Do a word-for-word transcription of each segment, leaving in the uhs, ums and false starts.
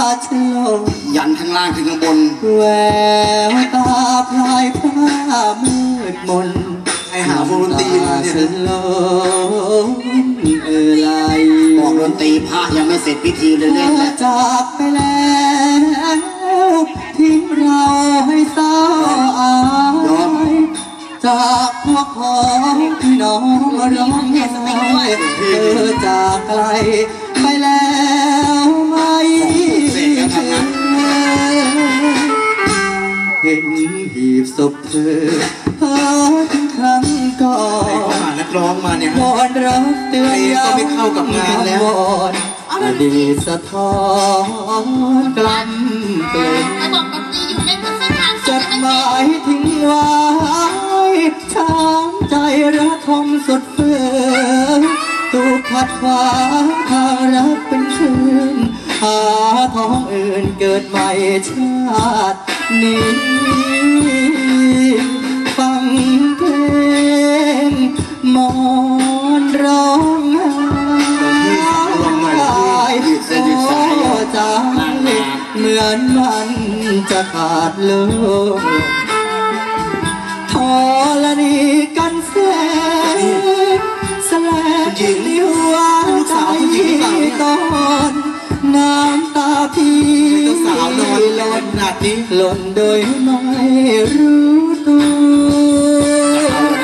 ฉลองยันข้างล่างถึงข้างบนแววตาพลายผ้ามืดมนไอหาวงดนตรีมาเนี่ยฉลองเออไรบอกดนตรีพระยังไม่เสร็จพิธีเลยเล่นแล้วจากไปแล้วทิ้งเราให้เศร้าอายจากพ่อของพี่น้องร้องไห้เธอจากไกลไปแล้วไม่เห็นหีบศพเธอหาถึงครั้งก่อนนักร้องมาเนี่ยวอนรักเตือนย้ำก็ไม่เข้ากับงานแล้วอดีตสะท้อนกล้ำเกลือจดหมายทิ้งไว้ช้ำใจระทมสุดเฟื่อถูกขัดขวางทางรักเป็นคืนหาท้องอื่นเกิดใหม่ชาตินี้ฟังเพลงมอนร้องไห้โอ้ใจเหมือนมันจะขาดลงทอละนีกันแสงแสลงนิ้วว่าใจตอนน้ำตาพี่สาวนอนหล่นหนักนี้หล่นโดยไม่รู้ตัว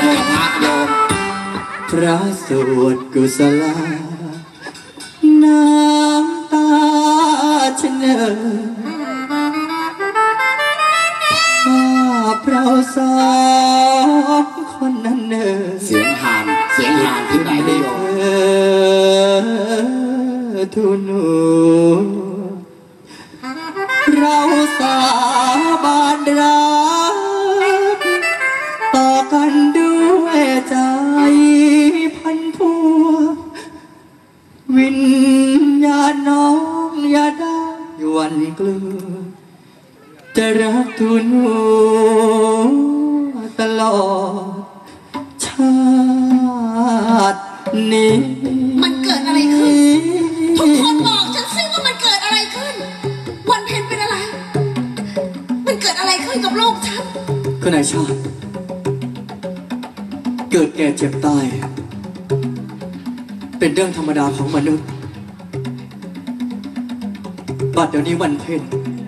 พระสวดกุศลาน้ำตาฉันเอ่ยเราสองคนนั้นเอ่ยเสียงห่านเสียงห่านที่ไหนได้โยทุนูเราสาบานรักต่อกันด้วยใจพันพัววิญญาณน้องอย่าได้หวั่นกลัวจะรักทุนหัวตลอดชาตินี้มันเกิดอะไรขึ้นทุกคนบอกฉันซิว่ามันเกิดอะไรขึ้นวันเพ็ญเป็นอะไรมันเกิดอะไรขึ้นกับโลกฉันก็นายชาติเกิดแก่เจ็บตายเป็นเรื่องธรรมดาของมนุษย์บัดเดี๋ยวนี้วันเพ็ญ